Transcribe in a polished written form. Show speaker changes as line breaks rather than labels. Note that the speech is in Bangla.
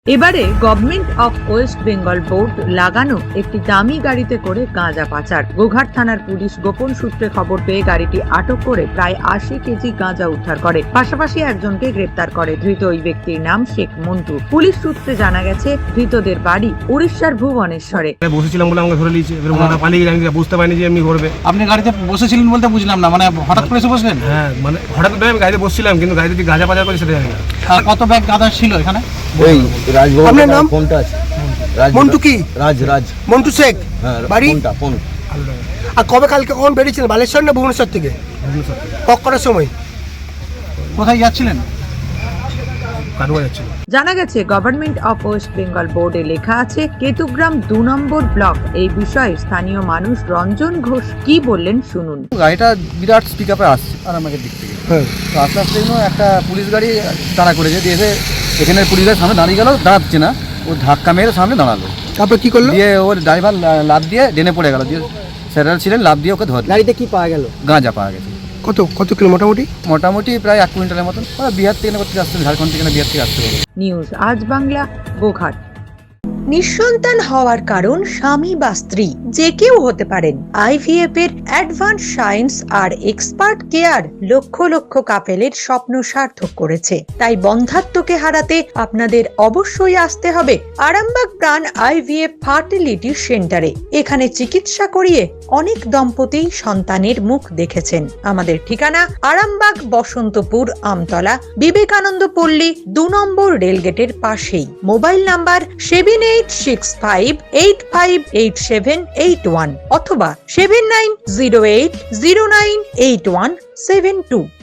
এবারে government of West Bengal board লাগানো একটি দামি গাড়িতে করে গাঁজা পাচার। গোঘাট থানার পুলিশ গোপন সূত্রে খবর পেয়ে গাড়িটি আটক করে প্রায় 80 কেজি গাঁজা উদ্ধার করে, পাশাপাশি একজনকে গ্রেপ্তার করে। ধৃত ওই ব্যক্তির নাম শেখ মন্টু। পুলিশ সূত্রে জানা গেছে ধৃতদের বাড়ি উড়িষ্যার ভুবনেশ্বরে।
বসেছিলাম বলে আমাকে ধরে নিয়েছে, এবার ওনারা পালিয়ে গেছে, আমি বুঝতে পারিনি যে এমনি করবে।
আপনি গাড়িতে বসেছিলেন বলতে বুঝলাম না, মানে হঠাৎ করে এসে বসলেন?
হ্যাঁ, মানে হঠাৎ করে আমি গাড়িতে বসছিলাম, কিন্তু গাড়িতে যে গাঁজা পাচার করে সেটা জানি না।
কত ব্যাগ গাঁজা ছিল এখানে?
ওই রাজভবন।
আপনার নাম?
ফোনটা আছে
মন্টু কি?
রাজ
মন্টু শেখ।
হ্যাঁ,
বাড়ি?
ফোন।
আর কালকে কখন বেরিয়েছিলেন? বালেশ্বর না ভুবনেশ্বর থেকে? কটার সময়?
কোথায় যাচ্ছিলেন?
কাটুয়া যাচ্ছিল।
জানা গেছে গভর্নমেন্ট অফ ওয়েস্ট বেঙ্গল বোর্ডে লেখা আছে কেতুগ্রাম 2 নম্বর ব্লক। এই বিষয়ে স্থানীয় মানুষ রঞ্জন ঘোষ কি বললেন শুনুন।
গাড়িটা বিরাট স্পিক আপে আসছে আরামবাগের দিক থেকে। তো আস্তে আস্তে একটা পুলিশ গাড়ি তাড়া করেছে, দিয়ে এসে এখানে পুলিশ গাড়ির সামনে দাঁড়িয়ে গেল, দাঁড়াচ্ছে না, ও ধাক্কা মেরে সামনে দাঁড়ালো।
তারপর কি করলো?
দিয়ে ওর ড্রাইভার লাফ দিয়ে ডেনে পড়ে গেল, দিয়ে স্যারেরা ছিলেন, লাফ দিয়ে ওকে ধরে।
গাড়িতে কি পাওয়া গেল?
গাঁজা পাওয়া গেছে।
কত কিলো মোটামুটি?
মোটামুটি প্রায় 1 কুইন্টালের মতন। ওরা বিহার থেকে করতে আসছে, ঝাড়খণ্ড থেকে বিহার থেকে আসতে হবে।
নিউজ আজ বাংলা, গোঘাট।
নিঃসন্তান হওয়ার কারণ স্বামী বা স্ত্রী যে কেউ হতে পারেন। আইভিএফ এর অ্যাডভান্স সায়েন্স আর এক্সপার্ট কেয়ার লক্ষ লক্ষ কাপেলের স্বপ্ন সার্থক করেছে। তাই বন্ধাত্বকে হারাতে আপনাদের অবশ্যই আসতে হবে আরামবাগ প্রাণ আইভিএফ ফার্টিলিটি সেন্টারে। এখানে চিকিৎসা করিয়ে অনেক দম্পতি সন্তানের মুখ দেখেছেন। আমাদের ঠিকানা আরামবাগ বসন্তপুর আমতলা, বিবেকানন্দ পল্লী 2 নম্বর রেলগেটের পাশেই। মোবাইল নাম্বার 7865858781 অথবা 7908098172।